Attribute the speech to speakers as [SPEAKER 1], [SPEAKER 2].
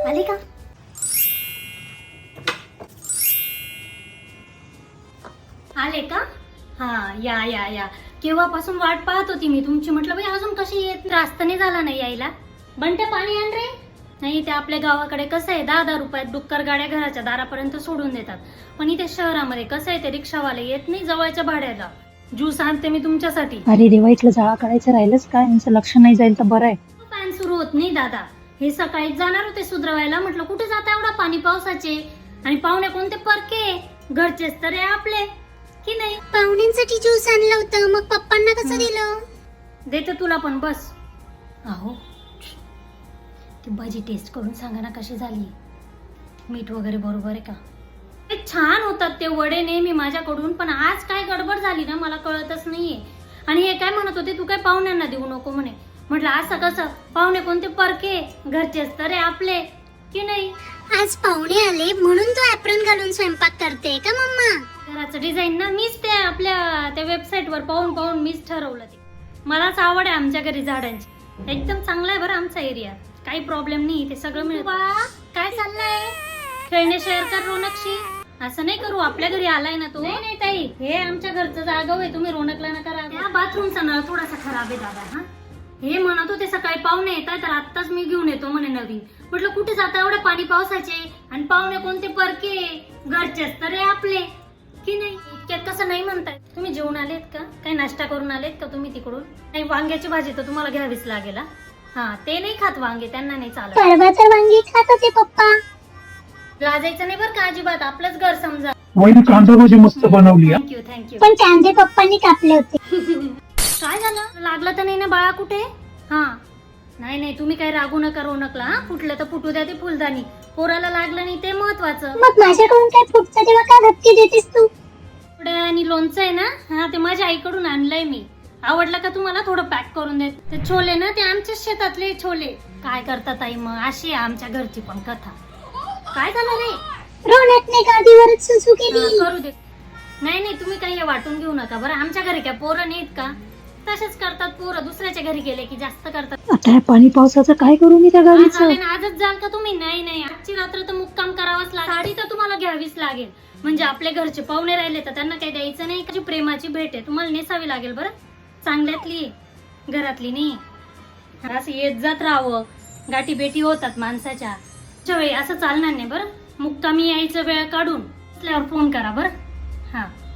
[SPEAKER 1] आले का? आले का? हा या या या. केव्हापासून वाट पाहत होती मी तुमची. म्हटलं बाई अजून कशी येत, रास्ता नाही झाला नाही यायला. बंट्या पाणी आण रे. नाही ते आपल्या गावाकडे कसं आहे 10-10 रुपयात डुक्कर गाड्या घराच्या दारापर्यंत सोडून देतात. पण इथे शहरामध्ये कसं आहे ते रिक्षावाले येत नाही जवळच्या भाड्याला. ज्यूस आणते मी तुमच्यासाठी.
[SPEAKER 2] अरे देवा, इथलं जाळा काढायचं राहिलंच काय? यांचं लक्ष नाही जाईल तर बरं आहे.
[SPEAKER 1] फॅन सुरू होत नाही दादा. हे सकाळीच जाणार होते सुधरवायला. म्हटलं कुठे जाता एवढा पाणी पावसाचे. आणि पाहुणे कोणते परके, घरचेच तर आहे आपले की नाही.
[SPEAKER 3] पाहुण्यांसाठी ज्यूस आणलं होतं, मग पप्पांना कसं दिलं?
[SPEAKER 1] देते तुला पण बस. अहो ती भाजी टेस्ट करून सांगा ना कशी झाली. मीठ वगैरे बरोबर आहे का? ते छान होतात ते वडे नेहमी माझ्याकडून. पण आज काय गडबड झाली ना मला कळतच नाहीये. आणि हे काय म्हणत होते तू काय पाहुण्यांना देऊ नको म्हणे. म्हटलं असं कसं, पाहुणे कोणते परके, घरचेच तर आहे आपले की नाही.
[SPEAKER 3] आज पाहुणे आले म्हणून तू ऍप्रन घालून स्वयंपाक करते का मम्मा?
[SPEAKER 1] घराचं डिझाईन ना मीच ते आपल्या त्या वेबसाईट वर पाहून पाहून मीच ठरवलं ते. मलाच आवड आहे आमच्या घरी झाडांची. एकदम चांगला आहे बरं आमचा एरिया. काही प्रॉब्लेम नाही, ते सगळं मिळतं. काय चाललंय? खेळणे शेअर कर रोनकशी. असं नाही करू, आपल्या घरी आलाय ना तो. नाही ताई, हे आमच्या घरचं जागा आहे, तुम्ही रोनकला नका रागवू. त्या बाथरूमचा नळ थोडासा खराब आहे दादा. हा हे म्हणत होते सकाळी पाहुणे येतात तर आत्ताच मी घेऊन येतो म्हणे नवीन. म्हटलं कुठे जाता एवढे पाणी पावसाचे. आणि पाहुणे कोणते परके, घरचेच तर आहे आपले की नाही. इतक्यात कसं नाही म्हणताय. तुम्ही जेवून आलेत का? काही नाश्ता करून आलेत का तुम्ही तिकडून? नाही, वांग्याची भाजी तर तुम्हाला घ्यावीच लागेल. हा ते नाही खात वांगे, त्यांना नाही चालत.
[SPEAKER 3] परवा तर वांगी खात होते पप्पा.
[SPEAKER 1] लाजायचं नाही बरं का अजिबात. आपलंच घर समजा.
[SPEAKER 4] वहिनी कांदा भाजी मस्त बनवली.
[SPEAKER 1] Thank you thank you.
[SPEAKER 3] पण कांदे पप्पांनी कापले होते.
[SPEAKER 1] काय झालं? लागलं तर नाही ना बाळा कुठे? हा नाही नाही, तुम्ही काही रागू नका रोनकला. हा फुटलं तर फुटू द्या ते फुलदाणी. पोराला लागलं नाही ते महत्वाचं.
[SPEAKER 3] मग माझ्याकडून काय फुटतं तेव्हा का धक्के देतेस तू?
[SPEAKER 1] आणि लोणचं आहे ना, हा ते माझ्या आईकडून आणलंय मी. आवडलं का तुम्हाला? थोडं पॅक करून दे. ते छोले ना ते आमच्या शेतातले छोले. काय करतात आई मग, अशी आहे आमच्या घरची पण कथा. काय झालं रे?
[SPEAKER 3] रोनकने गादीवरच सुसू केली.
[SPEAKER 1] करू दे. नाही नाही, तुम्ही काही वाटून घेऊ नका बरं. आमच्या घरी काय पोरं नाहीत का? तसेच करतात पोरं. दुसऱ्याच्या घरी गेले की जास्त करतात.
[SPEAKER 2] आता या पाणी पावसाचं काय करू मी त्या गाडीचं?
[SPEAKER 1] आजच जाल का तुम्ही? नाही नाही, आजची रात्र तर मुक्काम करावाच लागेल. साडी तर तुम्हाला घ्यावीच लागेल. म्हणजे आपले घरचे पाहुणे राहिले तर त्यांना काही द्यायचं नाही. त्याची प्रेमाची भेट आहे, तुम्हाला नेसावी लागेल बरं. चांगल्यातली घरातली नाही. असं येत जात राहावं, गाठी बेटी होतात माणसाच्या. वेळी असं चालणार नाही बरं. मुक्कामी यायचं वेळ काढून फोन करा बरं. हा